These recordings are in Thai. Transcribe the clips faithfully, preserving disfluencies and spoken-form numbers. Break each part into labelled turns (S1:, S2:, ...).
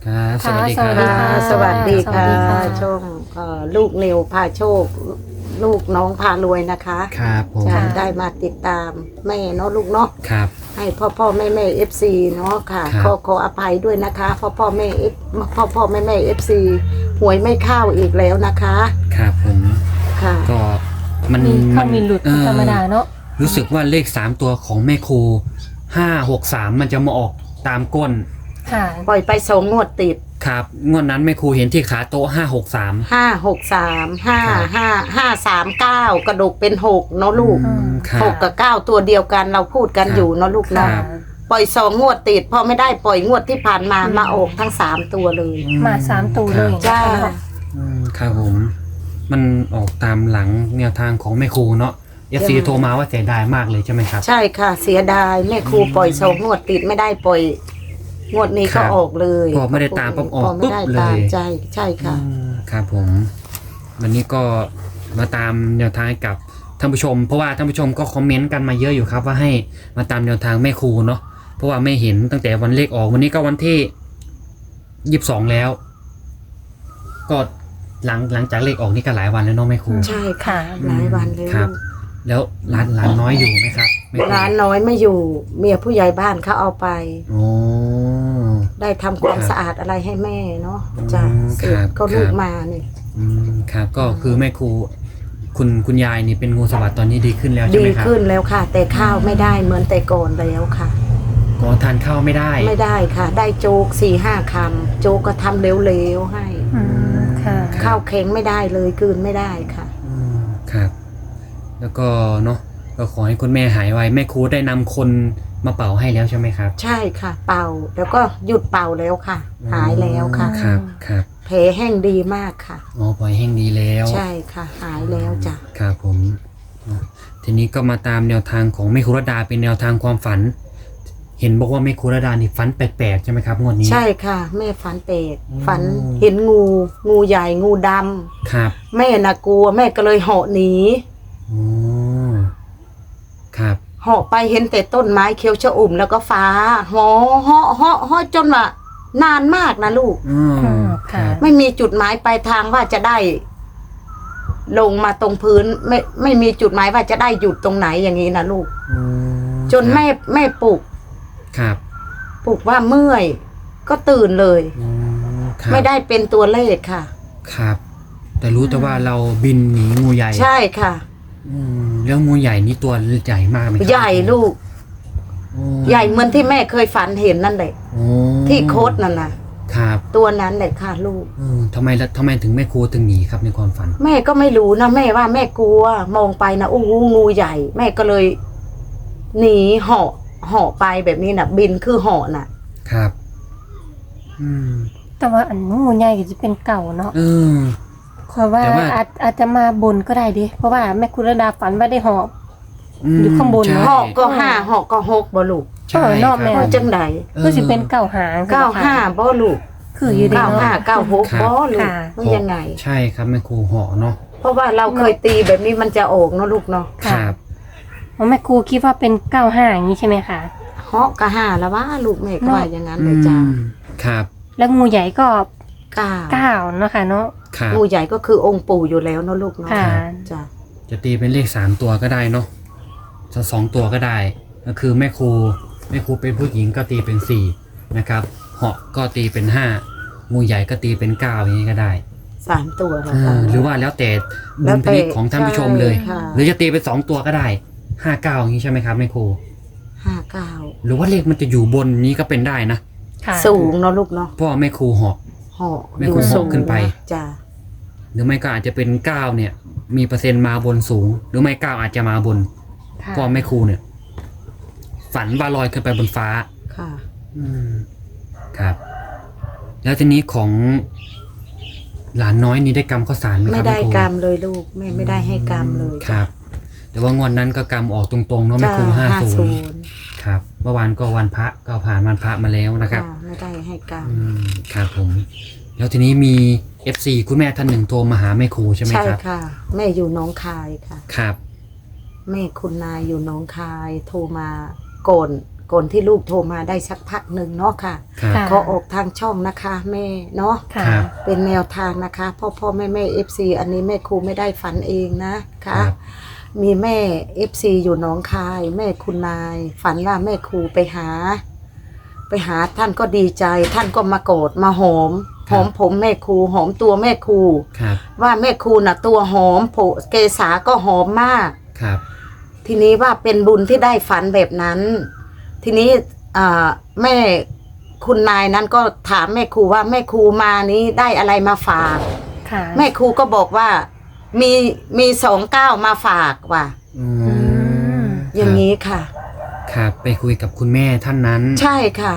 S1: ครับส
S2: ค่ะ
S1: วัสดี
S2: ส
S1: ค
S2: วั
S1: รั
S2: สดีค่ะ
S1: บ
S3: สวัสดีค่ะ
S2: สวัสดีค่ะ
S3: ช่องเอ่อลูกนิวพาโชค ลูกน้องพารวยนะคะ
S1: ครับผม
S3: จะ
S2: ค่ะ
S3: ได้มาติดตามแม่เนาะลูกเนาะ
S1: ครับ
S3: ให้พ่อพ่อแม่แม่เอฟซีเนาะค่ะ
S1: ครับ
S3: ขอขออภัยด้วยนะคะพ่อพ่อแม่เอฟพ่อพ่อแม่แม่เอฟซีหวยไม่เข้าอีกแล้วนะคะ
S1: ครับผม
S3: ค่ะ
S1: ก็มัน
S2: มีเข้ามีหลุด
S1: เอ่อ
S2: ธรรมดาเนาะ
S1: รู้สึกว่าเลขสามตัวของแม่ครูห้าหกสามมันจะมาออกตามก้น
S2: ค่ะ
S3: ปล่อยไปสองงวดติด
S1: ครับงวดนั้นแม่ครูเห็นที่ขาโต๊ะห้าหกสาม
S3: ห้าหกสามห้า
S1: ครับ
S3: ห้าห้าสามเก้ากระดูกเป็นหกเนาะลูก
S2: อืม
S1: ครั
S3: ห
S1: บ
S3: กกับเก้าตัวเดียวกันเราพูดกัน
S1: ครับ
S3: อยู่เนาะลูก
S1: ครั
S3: เนาะ
S1: บ
S3: ปล่อยสองงวดติดพอไม่ได้ปล่อยงวดที่ผ่านมา
S2: อืม
S3: มาออกทั้งสามตัวเลย
S2: มาสามตัวเลย
S3: จ้า
S1: อืมครับผม มันออกตามหลังแนวทางของแม่ครูเนาะเอฟซี
S3: จ้ะ
S1: โทรมาว่าเสียดายมากเลยใช่ไหมครับ
S3: ใช่ค่ะ เสียดายแม่ครูปล่อยสองงวดติดไม่ได้ปล่อย งวดนี้
S1: ครั
S3: ก็
S1: บ
S3: ออกเลย
S1: พอไม่ได้ตามปุ๊บออก
S3: พไม่ได้
S1: ปุ๊บเลย
S3: ตามใช่ใช่ค่ะ
S1: อืมครับผม วันนี้ก็มาตามแนวทางให้กับท่านผู้ชม เพราะว่าท่านผู้ชมก็คอมเมนต์กันมาเยอะอยู่ครับ ว่าให้มาตามแนวทางแม่ครูเนาะเพราะว่าไม่เห็นตั้งแต่วันเลขออกวันนี้ก็วันที่ยี่สิบสองแล้ว ก็หลังหลังจากเลขออกนี่ก็หลายวันแล้วเนาะแม่ครู
S3: ใช่ค่ะ หลายวันเลย
S1: ครับ แล้วร้านร้านน้อยอยู่ไหมครับแม่ครู
S3: ร้านน้อยไม่อยู่ เมียผู้ใหญ่บ้านเขาเอาไป
S1: โอ้
S3: ได้ทำความ
S1: ครับ
S3: สะอาดอะไรให้แม่เนาะ
S1: อืม
S3: จ้ะเสร็จ
S1: ครับ
S3: ก็ลูก
S1: ครับ
S3: มาเนี่ย
S1: อืมครับ ก็คือแม่ครู คุณคุณยายนี่เป็นงูสวัสด์ตอนนี้ดีขึ้นแล้วใช่
S3: ดี
S1: ไหมครับ
S3: ขึ้นแล้วค่ะ แต่ข้าวไม่ได้เหมือนแต่ก่อนแล้วค่ะ
S1: ก็ทานข้าวไม่ได้
S3: ไม่ได้ค่ะ ได้โจ๊กสี่ห้าคำโจ๊กก็ทำเร็วๆให้
S2: อืมค่ะ
S1: ครับ
S3: ข้าวแข็งไม่ได้เลยกลืนไม่ได้ค่ะ
S1: อืมครับ แล้วก็เนาะก็ขอให้คุณแม่หายไวแม่ครูได้นำคนมาเป่าให้แล้วใช่ไหมครับ
S3: ใช่ค่ะ เป่าแล้วก็หยุดเป่าแล้วค่ะ หายแล้วค่ะ
S2: อืม
S1: ครับครับ
S3: แผลแห้งดีมากค่ะ
S1: อ๋อปล่อยแห้งดีแล้ว
S3: ใช่ค่ะ หายแล้วจ้ะ
S1: ครับผมอ่ะทีนี้ก็มาตามแนวทางของแม่ครูรดาเป็นแนวทางความฝัน เห็นบอกว่าแม่ครูรดานี่ฝันแปลกๆใช่ไหมครับงวดนี้
S3: ใช่ค่ะ แม่ฝันเป็ด
S1: อืม
S3: ฝันเห็นงู งูใหญ่งูดำ
S1: ครับ
S3: แม่น่ะกลัว แม่ก็เลยเหาะหนี
S1: อ๋อครับ
S3: เหาะไปเห็นแต่ต้นไม้เขียวชอุ่มแล้วก็ฟ้าเหาะเหาะเหาะเหาะจนว่านานมากนะลูก
S1: อืม
S2: อืม
S1: ครั
S2: ค่ะ
S1: บ
S3: ไม่มีจุดหมายปลายทางว่าจะได้ ลงมาตรงพื้น ไม่ไม่มีจุดหมายว่าจะได้หยุดตรงไหนอย่างนี้นะลูก
S1: อืม
S3: จนแม่แม่ปลุก
S1: ครับ
S3: ปลุกว่าเมื่อย ก็ตื่นเลย
S1: อืมครับ
S3: ไม่ได้เป็นตัวเลขค่ะ
S1: ครับ แต่รู้แต่ว่าเราบินหนีงูใหญ่
S3: ใช่ค่ะ
S1: อืมแล้วงูใหญ่นี่ตัวใหญ่มากไหมครับ
S3: ใหญ่ลูก
S1: โอ้
S3: ใหญ่เหมือนที่แม่เคยฝันเห็นนั่นแหละ
S1: โอ้
S3: ที่โคดนั่นน่ะ
S1: ครับ
S3: ตัวนั้นแหละค่ะลูก
S1: อืมทำไมละทำไมถึงแม่ครูถึงหนีครับในความฝัน
S3: แม่ก็ไม่รู้นะแม่ว่าแม่กลัว มองไปนะอู้หูงูใหญ่ แม่ก็เลย หนีเหาะเหาะไปแบบนี้น่ะ บินคือเหาะน่ะ
S1: ครับ อืม
S2: แต่ว่าอันงูใหญ่ก็จะเป็นเก่าเนาะ
S1: เออ
S2: คอยว่า
S1: แต่ว่า
S2: อาจอาจจะมาบนก็ได้ดิเพราะว่าแม่คุณรดาฝันว่าได้หอบ
S1: ม
S2: อยู่ข้างบน
S1: ใช่
S3: เหาะก็ห้าเหาะก็หกบ่ลูก
S1: ใช่
S2: เออนอก
S1: ค
S2: แม่
S1: รับ
S3: เพราะจังใด
S2: ก็จะเป็นเก่าหาง
S3: เก้าห้าบ่ลูก
S2: คืออยู่ดี
S3: เก้า
S2: เนาะ
S3: ห้าเก้าหก
S1: ครับ
S3: บ่ลูก
S2: ค่ะ
S3: มันยังไง
S1: ใช่ครับแม่ครูเหาะเนาะ
S3: เพราะว่าเราเคยตีแบบนี้มันจะออกเนาะลูกเนาะ
S1: ค
S2: ค่ะ
S1: รับ
S2: เพราะแม่ครูคิดว่าเป็นเก้าห้าอย่างนี้ใช่ไหมคะ
S3: เหาะก็ห้าแล้วว่าลูกแม่ก็ว่าอย่างนั้นเล
S1: อื
S3: ยจ้าม
S1: ครับ
S2: แล้วงูใหญ่ก็
S3: เก้า
S2: เก้าเนาะค่ะเนาะ
S1: ครับ
S3: งูใหญ่ก็คือองค์ปู่อยู่แล้วเนาะลูกเนาะ
S2: ค่ะ
S3: จ้ะ
S1: จะตีเป็นเลขสามตัวก็ได้เนาะจะสองตัวก็ได้ ก็คือแม่ครูแม่ครูเป็นผู้หญิงก็ตีเป็นสี่นะครับเหาะก็ตีเป็นห้างูใหญ่ก็ตีเป็นเก้าอย่างนี้ก็ได้
S3: สามตัวแล้ว
S1: เอ
S3: ค่ะ
S1: อหรือว่าแล้วแต่
S3: แล้
S1: ดุ
S3: ว
S1: ล
S3: แต่
S1: พินิจของท่านผู้ชมเลย
S3: ใช่ค่ะ
S1: หรือจะตีเป็นสองตัวก็ได้ห้าเก้าอย่างนี้ใช่ไหมครับแม่ครู
S3: ห้าเก้า
S1: หรือว่าเลขมันจะอยู่บนนี้ก็เป็นได้นะ
S2: ค่ะ
S3: สูงเนาะลูกเนาะ
S1: เพราะว่าแม่ครูเหาะ
S3: เหาะ
S1: ไม่
S3: อยู่
S1: ควร
S3: สูง
S1: ขึ้นไป
S3: จ้ะ
S1: หรือไม่ก็อาจจะเป็นเก้าเนี่ย มีเปอร์เซ็นต์มาบนสูง หรือไม่เก้าอาจจะมาบน
S2: ค่ะ
S1: เพราะแม่ครูเนี่ย ฝันว่าลอยขึ้นไปบนฟ้า
S3: ค่ะ
S1: อืมครับ แล้วทีนี้ของหลานน้อยนี่ได้กรรมข้าวสารไหมค
S3: ไม่
S1: รับ
S3: ได้
S1: แม่ครู
S3: กรรมเลยลูกแม่ไม่ได้ให้กรรมเลย
S1: ครับ แต่ว่างวดนั้นก็กรรมออกตรงๆเนาะแม่ครูห้าศูนย์
S3: นย์
S1: ครับ เมื่อวานก็วันพระก็ผ่านวันพระมาแล้วนะครับ
S3: ไม่ได้ให้กรรม
S1: อืมครับผม แล้วทีนี้มี เอฟ ซี คุณแม่ท่านหนึ่งโทรมาหาแม่ครูใช่ไหม
S3: ใช่
S1: ครับ
S3: ค่ะ แม่อยู่หน้องคายค่ะ
S1: ครับ
S3: แม่คุณนายอยู่หน้องคาย โทรมาก่อนก่อนที่ลูกโทรมาได้สักพักหนึ่งเนาะค่ะ
S1: ครับ
S2: ค่ะ
S3: ขอออกทางช่องนะคะแม่เนาะ
S2: ค่ะ
S1: ครับ
S3: เป็นแนวทางนะคะพ่อพ่อแม่แม่เอฟซีอันนี้แม่ครูไม่ได้ฝันเองนะ
S1: ค
S3: คะ
S1: รับ
S3: มีแม่เอฟซีอยู่หนองคาย แม่คุณนาย ฝันว่าแม่ครูไปหา ไปหาท่านก็ดีใจ ท่านก็มาโกรธมาหอม หอมผมแม่ครูหอมตัวแม่ครู
S1: ครับ
S3: ว่าแม่ครูน่ะตัวหอมโผเกษาก็หอมมาก
S1: ครับ
S3: ทีนี้ว่าเป็นบุญที่ได้ฝันแบบนั้น ทีนี้อ่าแม่คุณนายนั้นก็ถามแม่ครูว่าแม่ครูมานี้ได้อะไรมาฝาก
S2: ค่ะ
S3: แม่ครูก็บอกว่ามีมีสองเก้ามาฝากว่ะ
S1: อื
S2: อื
S1: ม
S2: ม
S3: อย่างนี้ค่ะ
S1: ครับ ไปคุยกับคุณแม่ท่านนั้น
S3: ใช่ค่ะ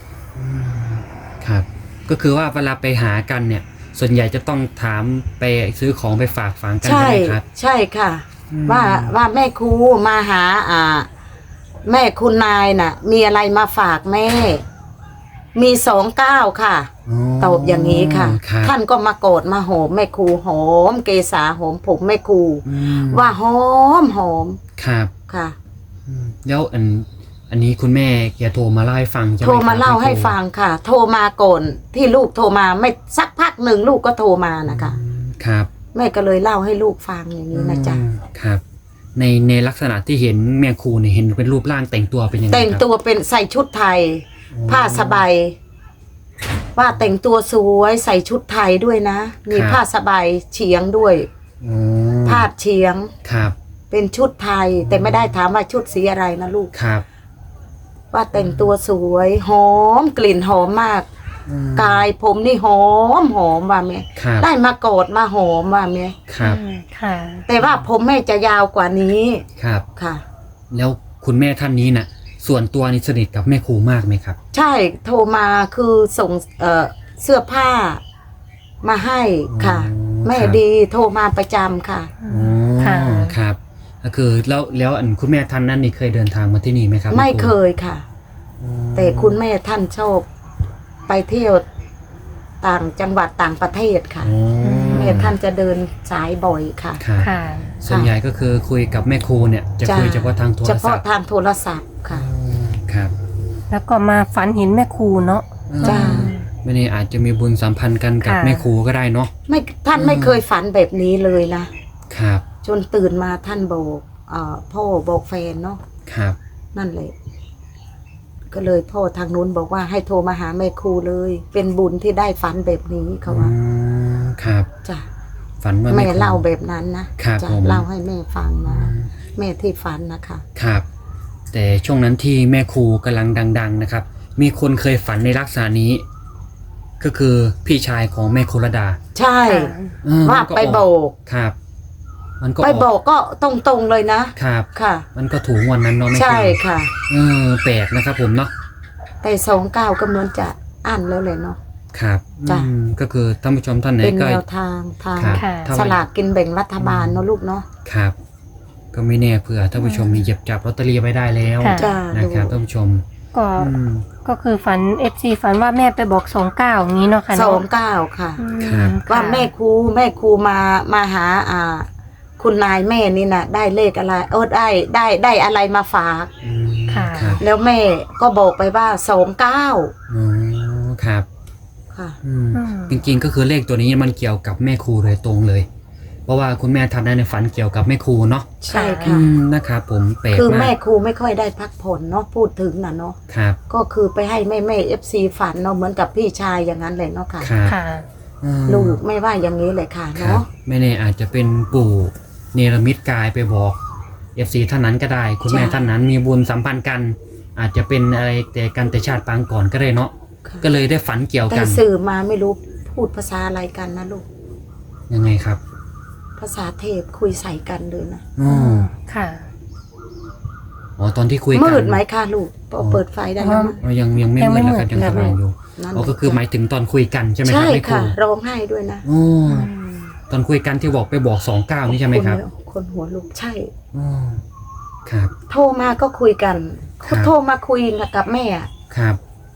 S1: ครับ ก็คือว่าเวลาไปหากันเนี่ย ส่วนใหญ่จะต้องถามไปซื้อของไปฝากฝังกัน
S3: ใช่
S1: ใช่ไหมครับ
S3: ใช่ค่ะ
S1: อืม
S3: ว่าว่าแม่ครูมาหาอ่า แม่คุณนายน่ะ มีอะไรมาฝากแม่ มีสองเก้าค่ะ
S1: อ๋อ
S3: ตอบอย่างนี้ค่ะ
S1: ครับ
S3: ท่านก็มาโกรธมาหอมแม่ครูหอม เกษาหอมผมแม่ครู
S1: อืม
S3: ว่าหอมหอม
S1: ครับ
S3: ค่ะ
S1: อืมแล้วอันอันนี้คุณแม่แกโทรมาเล่าให้ฟังใช่ไหม
S3: โทรมา
S1: คบ
S3: เล่าให้
S1: แครู
S3: ฟังค่ะ โทรมาก่อนที่ลูกโทรมาไม่สักพักหนึ่งลูกก็โทรมานะคะ
S1: อืมครับ
S3: แม่ก็เลยเล่าให้ลูกฟังอย่างนี้นะจ๊ะ
S1: อืมครับ ในในลักษณะที่เห็นแม่ครูเนี่ยเห็นเป็นรูปร่างแต่งตัวเป็นยังไง
S3: แต่ง
S1: ครับ
S3: ตัวเป็นใส่ชุดไทย
S1: อ๋อ
S3: ผ้าสบายว่าแต่งตัวสวยใส่ชุดไทยด้วยนะ มี
S1: ครับ
S3: ผ้าสบายเฉียงด้วย
S1: อ๋อ
S3: ผ้าเฉียง
S1: ครับ
S3: เป็นชุดไทย แต่ไม่ได้ถามว่าชุดสีอะไรนะลูก
S1: ครับ
S3: ว่าแต่งตัวสวยหอมกลิ่นหอมมาก
S1: อืม
S3: กายผมนี่หอมหอมว่าแม่
S1: ครับ
S3: ได้มาโกดมาหอมว่าแม่
S1: ครับ
S2: อืมค่ะ
S3: แต่ว่าผมแม่จะยาวกว่านี้
S1: ครับ
S3: ค่ะ
S1: แล้วคุณแม่ท่านนี้น่ะ ส่วนตัวนี่สนิทกับแม่ครูมากไหมครับ
S3: ใช่โทรมาคือส่งเอ่อเสื้อผ้ามาให้ค่ะ
S1: อ๋อ
S3: แม่
S1: ครับ
S3: ดีโทรมาประจำค่ะ
S1: อ๋อ
S2: ค่ะ
S1: ครับ ก็คือแล้วแล้วอันคุณแม่ท่านนั้นนี่เคยเดินทางมาที่นี่ไหมครับ
S3: ไม่
S1: แรู
S3: เคยค่ะ
S1: อ๋อ
S3: แต่คุณแม่ท่านชอบไปเที่ยวต่างจังหวัดต่างประเทศค่ะ
S1: อ๋อ
S3: แม่ท่านจะเดินสายบ่อยค่ะ
S1: ครับ
S2: ค่ะ
S1: ส่วนใหญ่ก็คือคุยกับแม่ครูเนี่ยจะ
S3: จ้ะ
S1: คุยเฉพาะทางโทร
S3: เฉ
S1: ศั
S3: พาะ
S1: พท์
S3: ทางโทรศัพท์ค่ะ
S1: ครับ
S2: แล้วก็มาฝันเห็นแม่ครูเนาะ
S3: จ้ะ
S1: ไม่แน่อาจจะมีบุญสัมพันธ์กันกับ
S2: ค่ะ
S1: แม่ครูก็ได้เนาะ
S3: ไม่ท่านไม่เคยฝันแบบนี้เลยนะ
S1: ครับ
S3: จนตื่นมาท่านบอกเอ่อพ่อบอกแฟนเนาะ
S1: ครับ
S3: นั่นแหละ ก็เลยพ่อทางนู้นบอกว่าให้โทรมาหาแม่ครูเลย เป็นบุญที่ได้ฝันแบบนี้เขาว่า
S1: อืมครับ
S3: จ้ะ
S1: ฝันว่า
S3: แม่
S1: ครู
S3: เล่าแบบนั้นนะครับ จ้ะ
S1: ผม
S3: เล่าให้แม่ฟังนะแม่ที่ฝันนะคะ
S1: ครับ แต่ช่วงนั้นที่แม่ครูกำลังดัง ๆ นะครับ มีคนเคยฝันในลักษณะนี้ ก็คือพี่ชายของแม่ครูรดา
S3: ใช่
S1: เออ
S3: ว่า
S1: มัน
S3: ไป
S1: อ
S3: โบ
S1: อก
S3: ก
S1: ครับ มันก็
S3: ไป
S1: อ
S3: โบอก
S1: อก
S3: ก็ตรงๆเลยนะครับ ค่ะ
S1: มันก็ถูกวันนั้นเนาะแม่ครู
S3: ใช่ค่ะ
S1: เออแปลกนะครับผมเนาะ
S3: แต่สองเก้าก็เหมือนจะอ่านแล้วเลยเนาะ
S1: ครับ
S3: จ้ะ
S1: อืมก็คือท่านผู้ชมท่านไหน
S3: เป็น
S1: ก็
S3: แนวทางทาง
S1: ครับ
S2: ค่ะ
S1: ถ้า
S3: สลากกินแบ่งรัฐบาลเนาะลูกเนาะ
S1: ครับ ก็ไม่แน่เผื่อท่านผู้ชมมีเหยียบจับลอตเตอรี่ไว้ได้แล้ว
S2: ค่ะ
S3: จ้า
S1: นะครับท่านผู้ชม
S2: ก็
S1: อืม
S2: ก็คือฝันเอฟซีฝันว่าแม่ไปบอกสองเก้าอย่างนี้เนาะค่ะ
S3: ส
S2: เนาะ
S3: องเก้าค่ะ
S2: อืม
S1: ครับ
S3: ว่า
S2: ค่ะ
S3: แม่ครูแม่ครูมามาหาอ่า คุณนายแม่นี่นะได้เลขอะไรเออได้ได้ได้อะไรมาฝาก
S1: อืม
S2: ค่ะ
S1: ครับ
S3: แล้วแม่ก็บอกไปว่าสองเก้า
S1: อ๋อครับ
S3: ค่ะ
S1: อืม
S2: อืม
S1: จริงๆก็คือเลขตัวนี้มันเกี่ยวกับแม่ครูโดยตรงเลย เพราะว่าคุณแม่ทำได้ในฝันเกี่ยวกับแม่ครูเนาะ
S3: ใช่
S1: อื
S3: ค่ะ
S1: มนะครับผมแปลก
S3: คือ
S1: มา
S3: แม่
S1: ก
S3: ครูไม่ค่อยได้พักผ่อนเนาะพูดถึงนะเนาะ
S1: ครับ
S3: ก็คือไปให้แม่แม่เอฟซีฝันเนาะเหมือนกับพี่ชายอย่างนั้นเลยเนาะค่ะ
S1: ครับ
S2: ค่ะ
S1: อืม
S3: ลูกไม่ว่าอย่างนี้เลยค่ะ
S1: ครับ
S3: เนาะ
S1: ไม่แน่อาจจะเป็นปู่เนรมิตกายไปบอกเอฟซีท่านนั้นก็ได้ คุณแม่
S3: ใช่
S1: ท่านนั้นมีบุญสัมพันธ์กัน อาจจะเป็นอะไรแต่กันแต่ชาติปางก่อนก็ได้เนาะ
S3: ค่ะ
S1: ก็เลยได้ฝันเกี่ยว
S3: แต่
S1: กัน
S3: สื่อมาไม่รู้พูดภาษาอะไรกันนะลูก
S1: ยังไงครับ
S3: ภาษาเทพคุยใส่กันเลยนะ
S1: อ๋อ
S2: ค่ะ
S1: อ๋อตอนที่คุยกัน
S3: มืดไหมคะลูกพอเปิดไฟได้แล้วมั้ย
S1: อ๋อยังยังไม่
S2: ยัง
S1: มื
S2: ไม่
S1: ดแล้วครับ
S2: มืด
S1: ยังสว่างอยู่
S3: นั่น
S1: อ๋อก็คือหมายถึงตอนคุยกันใช่ไหมครับ
S3: ใช่
S1: แม่ครู
S3: ค่ะ ร้องไห้ด้วยนะ
S1: อ๋อตอนคุยกันที่บอกไปบอกสองเก้านี่ใช่ไหมครับ
S3: นคนหัวลุกใช่
S1: อ๋อครับ
S3: โทรมาก็คุยกัน
S1: ครับ
S3: โทรมาคุยกับแม่อะ
S1: ครับ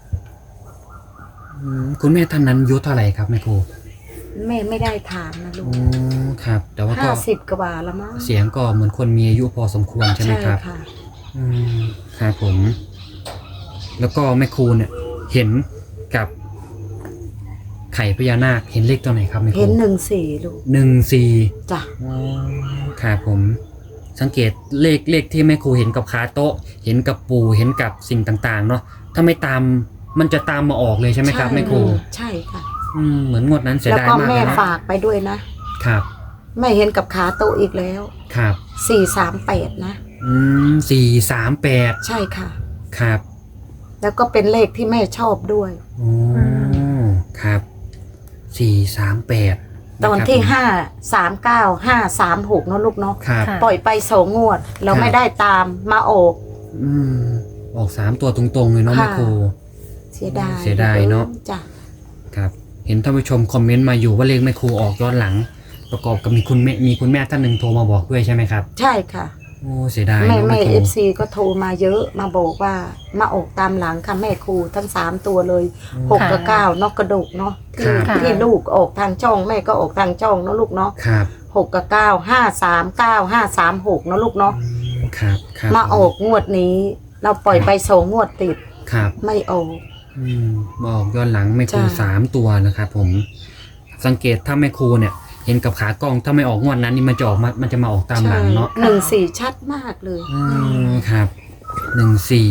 S1: อืมคุณแม่ท่านนั้นอายุเท่าไหร่ครับแม่ครู
S3: แม่ไม่ได้ถามนะลู
S1: อ๋
S3: ก
S1: อครับ แต่ว่าก็
S3: ห้าสิบกว่าแล้วมั้ง
S1: เสียงก็เหมือนคนมีอายุพอสมควรใช่ไหมครับ
S3: ค่ะ
S1: อืมครับผมแล้วก็แม่ครูเนี่ยเห็นกับไข่พญานาคเห็นเลขตัวไหนครับแม่ครู
S3: เห็นหนึ่งสี่ลูก
S1: หนึ่งสี่
S3: จ้ะ
S1: ครับผมสังเกตเลขเลขที่แม่ครูเห็นกับขาโต๊ะ เห็นกับปู่เห็นกับสิ่งต่างๆเนาะถ้าไม่ตามมันจะตามมาออกเลยใช่ไหมครับแม่ครู
S3: ใช่ค่ะ
S1: อืมเหมือนงวดนั้นเสีย
S3: แล้ว
S1: ดาย
S3: ก็
S1: มาก
S3: แม่
S1: เลยเนาะ
S3: ฝากไปด้วยนะครับ แม่เห็นกับขาโต๊ะอีกแล้ว
S1: ครับ
S3: สี่สามแปดนะ
S1: อืมสี่สามแปด
S3: ใช่ค่ะ
S1: ครับ
S3: แล้วก็เป็นเลขที่แม่ชอบด้วย
S1: โอ้ครับสี่สามแปด
S3: ตอนที่ห้าสามเก้าห้าสามหกเนาะลูกเนาะ
S1: ครับ
S2: ค่ะ
S3: ปล่อยไปสองงวด เรา
S1: ครับ
S3: ไม่ได้ตามมาออก
S1: อืมออกสามตัวตรงๆเลยเนาะ
S3: ค่ะ
S1: แม่ครู
S3: เสียดาย
S1: เสียดายเนอะ
S3: จ้ะ
S1: ครับ เห็นท่านผู้ชมคอมเมนต์มาอยู่ว่าเลขแม่ครูออกย้อนหลัง ประกอบกับมีคุณแม่มีคุณแม่ท่านหนึ่งโทรมาบอกด้วยใช่ไหมครับ
S3: ใช่ค่ะ
S1: โอ้เสียดาย
S3: แม่
S1: เนาะ
S3: แม่
S1: แม่ค
S3: เอ
S1: รู
S3: ฟซีก็โทรมาเยอะมาบอกว่ามาออกตามหลังค่ะแม่ครูทั้งสามตัวเลยหกกับเก้านอกกระดกเนาะที่
S2: ค่ะ
S3: ที่ลูกออกทางช่องแม่ก็ออกทางช่องเนาะลูกเนาะ
S1: ครับ
S3: หกกับเก้าห้าสามเก้าห้าสามหกเนาะลูกเนาะ
S1: ครับครับ
S3: มาออกงวดนี้ เราปล่อยไปสองงวดติด
S1: ครับ
S3: ไม่ออก
S1: อืมมาออกย้อนหลังแม่ครู
S3: จ้ะ
S1: สามตัวนะครับผม สังเกตถ้าแม่ครูเนี่ย เห็นกับขากล้องถ้าไม่ออกงวดนั้นนี่มันจะออกมามันจะมาออกตามหลังเนาะ
S3: หนึ่งสี่ชัดมากเลย
S1: อืมครับหนึ่งสี่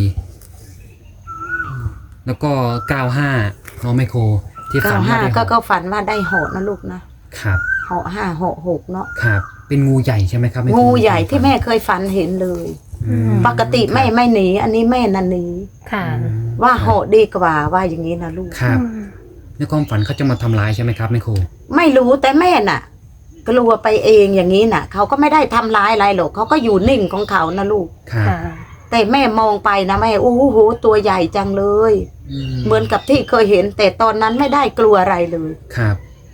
S1: แล้วก็เก้าห้าน้องแม่ครูที่
S3: เก้า
S1: ฝันว่า
S3: ห้า
S1: ได้
S3: ก็
S1: ห
S3: ก็
S1: ก
S3: ฝันว่าได้เหาะนะลูกนะครับ เหาะห้าเหาะหกเนาะ
S1: ครับ เป็นงูใหญ่ใช่ไหมครับแม่ครู
S3: งูใหญ่ที่แม่เคยฝันเห็นเลย
S1: อืม
S3: ปกติไม่ไม่หนี อันนี้แม่นันหนี
S2: ค่ะ
S1: อืม
S3: ว่าเหาะดีกว่าว่าอย่างนี้นะลูก
S1: ครับ
S2: อืม
S1: ในความฝันเขาจะมาทำร้ายใช่ไหมครับแม่ครู
S3: ไม่รู้แต่แม่น่ะกลัวไปเองอย่างนี้น่ะเขาก็ไม่ได้ทำร้ายอะไรหรอกเขาก็อยู่นิ่งของเขานะลูก
S1: ครับ
S2: ค่ะ
S3: แต่แม่มองไปนะแม่โอ้โหตัวใหญ่จังเลย
S1: อืม
S3: เหมือนกับที่เคยเห็น แต่ตอนนั้นไม่ได้กลัวอะไรเลย
S1: ครับ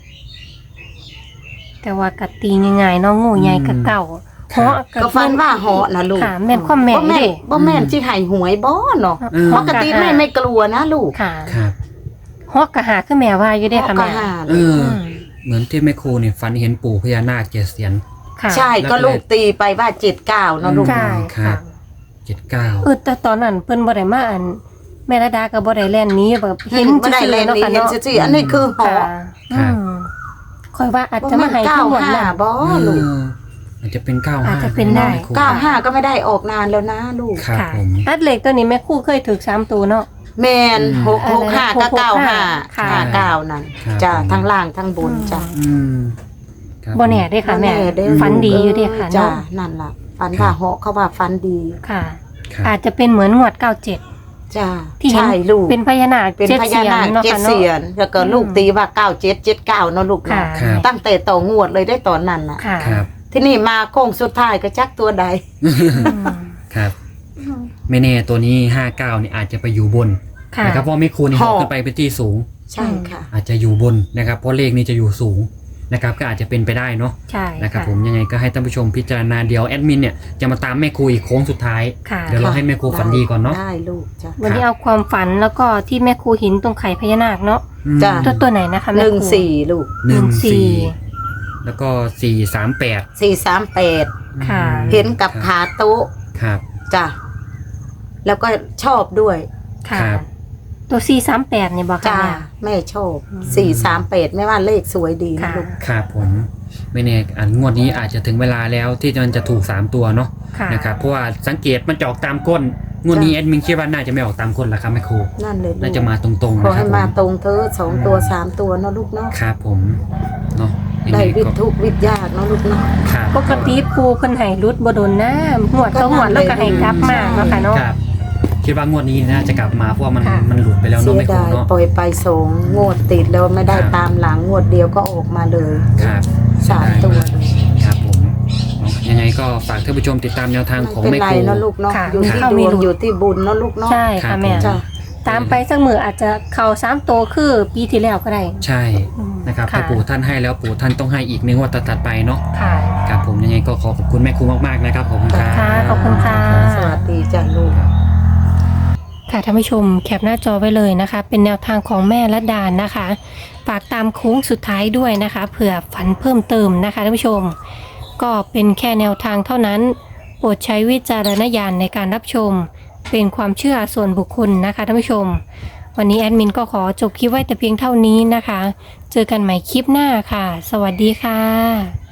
S2: แต่ว่ากะตีง่ายๆเน้องงูใหญ่กะเก่า
S1: ครับ
S2: เพราะ
S3: ก็ฝันว่าเหาะนะลูก
S2: ค่ะแม่นความแม่น
S3: บ่แม่น
S2: เด้
S3: บ่แม่นที่ให้หวยบ่เนาะ
S1: อืม
S3: ปกติแม่ไม่กลัวนะลูก
S2: ค่ะ
S1: ครับ
S2: ฮอกกะหาคือแม่ว่าอยู่เด้ค่ะ
S3: ก็
S2: แม่
S3: หา
S1: เอ
S3: เลย
S1: อ
S2: อืม
S1: เหมือนที่แม่ครูเนี่ยฝันเห็นปู่พญานาคเจ็ดเสียน
S2: ค่ะ
S3: ใช่ก็ลูกตีไปว่าเจ็ดเก้าเนาะลูก
S2: ใช่
S1: ครั
S2: ค่ะ
S1: บ เจ็ดเก้า
S2: เออแต่ตอนนั้นเพิ่นบ่ได้มาอันแม่ระดาก็บ่ได้แล่นหนี้แบบเห็น
S3: ไม่ได้
S2: ซื่อ
S3: เล่
S2: ๆ
S3: น
S2: เนาะ
S3: นี่
S2: ค่ะ
S3: เห็น
S2: เนาะ
S3: ซื่อๆอันนี้คือเหาะ
S2: ค่ะอืมค่อยว่าอาจจะมาให้
S3: เก้า
S2: ทั้งหมด
S3: ห้า
S2: นั้น
S3: บ่ลูก
S1: อาจจะเป็นเก้า
S2: อา
S1: ห้า
S2: จจะเป็นได้
S3: เก้าห้าก็ไม่ได้ออกนานแล้วนะลูก
S1: ครับ
S2: ค่ะ
S1: ผม
S2: อัดเหล็กตัวนี้แม่ครู่เคยถูกสามตัวเนาะ
S3: แมน
S1: อืม
S3: หกหกห้าก็เก้าห้า
S2: ค่ะ
S3: ห้าเก้านั่น
S1: ครับ
S3: จ้ะ
S1: ผม
S3: ทั้งล่างทั้งบนจ้ะ
S1: อืมครับ
S2: บ่แน่เด้ค่ะแม่
S3: บ่เด้
S2: ฝันดีอยู่เด้ค่ะ
S3: จ้ะ
S2: เนาะ
S3: นั่นล่ะฝันว่าเหาะเขาว่าฝันดี
S2: ค่ะ
S1: ครับ
S2: อาจจะเป็นเหมือนงวดเก้าเจ็ด
S3: จ้ะ
S2: ที่เห็น
S3: ใช่ลูก
S2: เป็นพญานาค
S3: เป็น
S2: เจ็ด
S3: พ
S2: เสี
S3: ญาย
S2: น
S3: นาค
S2: เนาะ
S3: เจ็ด
S2: ค่ะเนาะ
S3: เสียนแล้วก็ลูก
S2: อืม
S3: ตีว่าเก้าเจ็ดเจ็ดเก้าเนาะลูก
S2: ค่ะ
S3: เนาะ
S1: ครับ
S3: ตั้งแต่ต่องวดเลยได้ตอนนั้นน่ะ
S2: ค่ะ
S1: ครับ
S3: ที่นี่มาโค้งสุดท้ายก็จักตัวใด
S2: อืม
S1: ครับ ไม่แน่ตัวนี้ห้าเก้านี่อาจจะไปอยู่บน
S2: ค่ะ
S1: นะครับเพราะไม่ครูนี่
S3: ห
S1: ห
S3: อ
S1: อก ขึ้นไปเป็นที่สูง
S3: ใช่ค่ะ
S1: อาจจะอยู่บนนะครับเพราะเลขนี้จะอยู่สูงนะครับก็อาจจะเป็นไปได้เนาะ
S2: ใช่
S1: นะครับผมยังไงก็ให้ท่านผู้ชมพิจารณาเดี๋ยวแอดมินเนี่ยจะมาตามแม่ครูอีกโค้งสุดท้าย
S2: ค่ะ
S1: เดี๋ยวเราให้แม่ครูฝันดีก่อนเนาะ
S3: ได้ลูกจ้ะ
S2: วันนี้เอาความฝันแล้วก็ที่แม่ครูหินตรงไข่พญานาคเนาะ
S1: อืม
S3: จ้ะ
S2: ตัวตัวไหนนะคะ
S3: ห
S2: แม่ครู
S3: นึ่งสี่ลูก
S1: หนึ่ง
S2: หนึ่งสี่
S1: สี่แล้วก็สี่สามแปด
S3: สี่สามแปด
S2: ค่ะ
S3: เห็นกับขาโต๊ะ
S1: ครับ
S3: จ้ะแล้วก็ชอบด้วย
S2: ค่ะ
S1: ครับ
S2: ตัวสี่สามแปดเนี่ยบอกค่ะ
S3: จ้า
S2: แม่
S3: แม่ชอบสี่สามแปดไม่ว่าเลขสวยดีนะ
S2: ค่ะ
S3: ลูก
S1: ครับผมไม่แน่อันงวดนี้อาจจะถึงเวลาแล้วที่มันจะถูกสามตัวเนาะ
S2: ค่ะ
S1: นะครับเพราะว่าสังเกตมันจะออกตามก้นงวดนี้แอดมินคิดว่าน่าจะไม่ออกตามก้นแล้วครับแม่ครู
S3: นั่นเลยลู
S1: น่าก จะมาตรงๆ
S3: ขอ
S1: นะครั
S3: ให้
S1: บผม
S3: มาตรงเธอสองตัวสามตัวเนาะลูกเนาะ
S1: ครับผมเนาะยัง
S3: ได้
S1: ไง
S3: วิท
S1: ก็
S3: ย์ทุกข์วิทย์ยากเนาะลูกเนาะ
S1: ครับ
S2: ปกติปูเพิ่นให้รุดบ่โดนนะหวดเขาหวดแล้วก็ให้กลับมาเนาะค่ะเนาะ
S1: ครับคิดว่างวดนี้น่าจะกลับมาเพราะว่ามัน
S2: ค่ะ
S1: มันหลุดไปแล้ว
S3: เสี
S1: เนาะ
S3: ย
S1: แม่ครู
S3: ดาย
S1: เนาะ
S3: ปล่อยไปสองงวดติดแล้วไม่ได้
S1: ครับ
S3: ตามหลังงวดเดียวก็ออกมาเลย
S1: ครับ
S3: สามตัวเลย
S1: ครับผมเนาะยังไงก็ฝากท่านผู้ชมติดตามแนวทางของ
S3: ไม่เป็น
S1: แม่
S3: ไร
S1: ครู
S3: เนาะลูกเนาะ
S2: ค่ะ
S3: อยู่ที่
S2: เข้า
S3: ด
S2: ไม่
S3: วง
S2: รู้
S3: อยู่ที่บุญเนาะลูกเนาะ
S2: ใช่ค่ะแม่
S3: จ้ะ
S2: ตามไปสักมืออาจจะเข้าสามตัวคือปีที่แล้วก็ได้
S1: ใช่
S2: อืม
S1: นะครับ
S2: ค่ะ
S1: ถ้าปู่ท่านให้แล้วปู่ท่านต้องให้อีกในงวดถัดๆไปเนาะ
S2: ค่ะ
S1: ครับผมยังไงก็ขอขอบคุณแม่ครูมากๆนะครับขอบคุณครับ
S2: ค่ะขอบคุณค่ะ
S3: สวัสดีจ้ะลูก
S2: ค่ะท่านผู้ชมแคปหน้าจอไว้เลยนะคะ เป็นแนวทางของแม่ละดานนะคะฝากตามโค้งสุดท้ายด้วยนะคะเผื่อฝันเพิ่มเติมนะคะท่านผู้ชม ก็เป็นแค่แนวทางเท่านั้น โปรดใช้วิจารณญาณในการรับชมเป็นความเชื่อส่วนบุคคลนะคะท่านผู้ชม วันนี้แอดมินก็ขอจบคลิปไว้แต่เพียงเท่านี้นะคะ เจอกันใหม่คลิปหน้าค่ะ สวัสดีค่ะ